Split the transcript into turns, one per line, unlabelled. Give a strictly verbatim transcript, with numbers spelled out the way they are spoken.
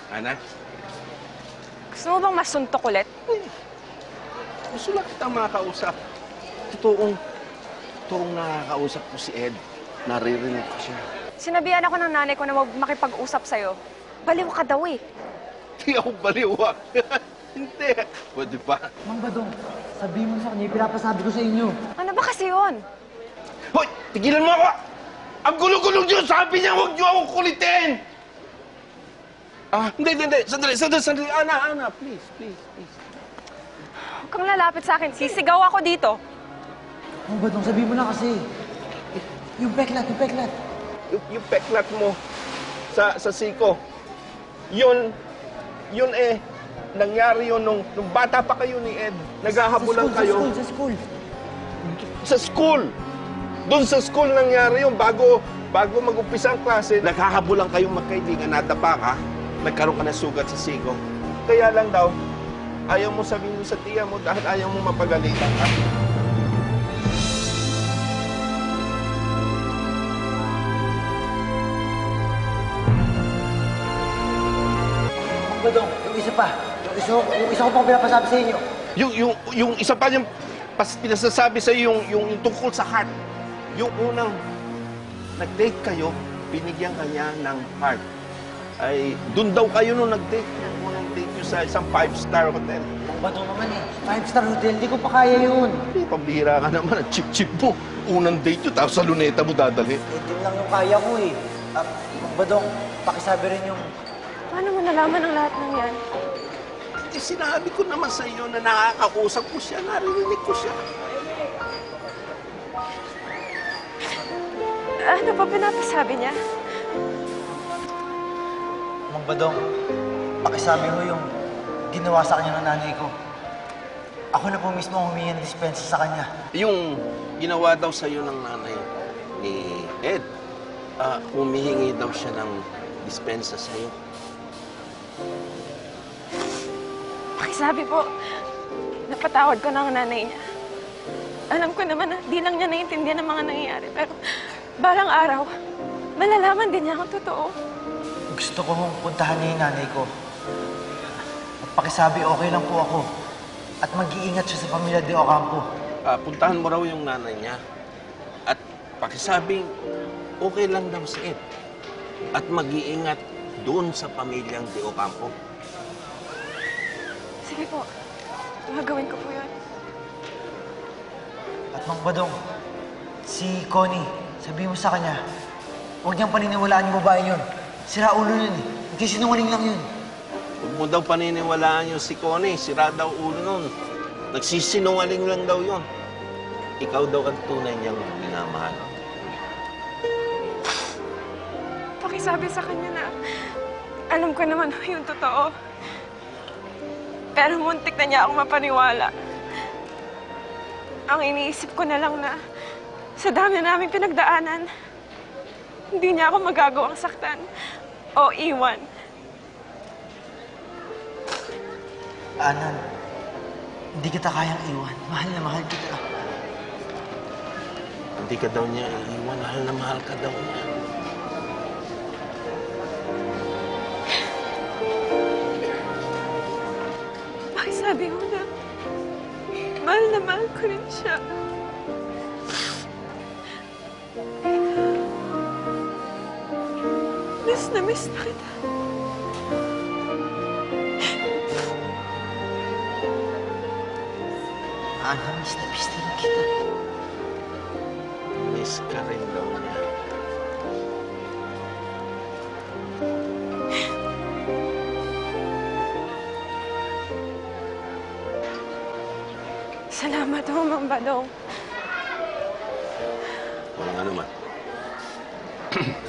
Anak?
Gusto mo bang masuntok ulit?
Gusto lang kitang makakausap. Totoong, totoong nakakausap ko si Ed. Naririnig ko siya.
Sinabihan ako ng nanay ko na mag makipag-usap sa'yo. Baliw ka daw eh.
Di ako baliw, ah. Hindi. Pwede ba?
Mang Badong, sabihin mo sa kanya, pinapasabi ko sa inyo.
Ano ba kasi yun?
Hoy! Tigilan mo ako! Ang gulo-gulo niyo! Sabi niya, huwag niyo akong kulitin! Ah, hindi, hindi, hindi. Sandali, sandali, sandali. Ana, Ana, please, please, please.
Huwag kang lalapit sa akin. Sisigaw ako dito.
Mang Badong, sabihin mo na kasi. Yung peklat, yung peklat.
Yung, yung peklat mo sa, sa siko, yun, yun eh, nangyari yun nung, nung bata pa kayo ni Ed. Naghahabulan
Sa
kayo.
school, sa school,
Sa school! Doon sa school nangyari yun, bago, bago mag-umpisa ang klase, naghahabulan kayong magkaibigan, nadapa ka, nagkaroon ka ng sugat sa siko. Kaya lang daw, ayaw mo sabihin sa tiya mo dahil ayaw mo mapagalitan ka.
Mang Badong, yung isa pa. Yung isa, yung isa ko pang pinapasabi sa inyo.
Yung, yung, yung isa pa yung pas, pinasasabi sa yung, yung, yung tungkol sa heart. Yung unang nag-date kayo, binigyan kanya ng heart. Ay, doon daw kayo nung nag-date niya. Unang date niyo sa isang five-star hotel.
Mang Badong naman eh, five-star hotel, di ko pa kaya yun.
Hindi, pambihira ka naman. Ang chip-chip mo. Unang date yun, tapos sa luneta mo dadalhin.
Eh, din lang yung kaya ko eh. Ah, Mang Badong, pakisabi rin yung...
Paano mo nalaman ang lahat ng yan?
Eh, sinabi ko naman sa iyo na nakakausap ko siya, narinig ko siya.
Ano ba pinapasabi niya?
Mang Badong, pakisabi mo yung ginawa sa kanya ng nanay ko. Ako na po mismo ang humingi ng dispensa sa kanya.
Yung ginawa daw sa iyo ng nanay ni Ed, ah, humihingi daw siya ng dispensa sa iyo.
Pakisabi po, napatawad ko na ang nanay niya. Alam ko naman na di lang niya naiintindihan ang mga nangyayari, pero balang araw, malalaman din niya ang totoo.
Gusto ko hong puntahan niya yung nanay ko. At pakisabi, okay lang po ako. At mag-iingat siya sa pamilya de Ocampo.
Ah, puntahan mo raw yung nanay niya at pakisabing okay lang daw si Ed at mag-iingat doon sa pamilyang De Ocampo.
Sige po, gagawin ko po yun.
At Mang Badong, si Connie, sabihin mo sa kanya, huwag niyang paniniwalaan yung babae yun. Sira ulo yun eh. Nagsisinungaling lang yun.
Huwag mo daw paniniwalaan yung si Connie. Sira daw ulo nun. Nagsisinungaling lang daw yun. Ikaw daw ang tunay niyang minamahal.
Pakisabi sa kanya na alam ko naman yung totoo. Pero muntik na niya ako mapaniwala. Ang iniisip ko na lang na sa dami na naming pinagdaanan, hindi niya ako magagawang saktan o iwan.
Anan, hindi kita kayang iwan. Mahal na mahal kita.
Hindi ka daw niya iiwan. Mahal na mahal ka daw niya.
Pakisabi mo na mahal na mahal ko rin siya. Miss na miss na kita.
Ana, miss na miss na rin kita.
Miss ka rin daw niya.
Salamat ho, Mang Badong.
Walang ano man.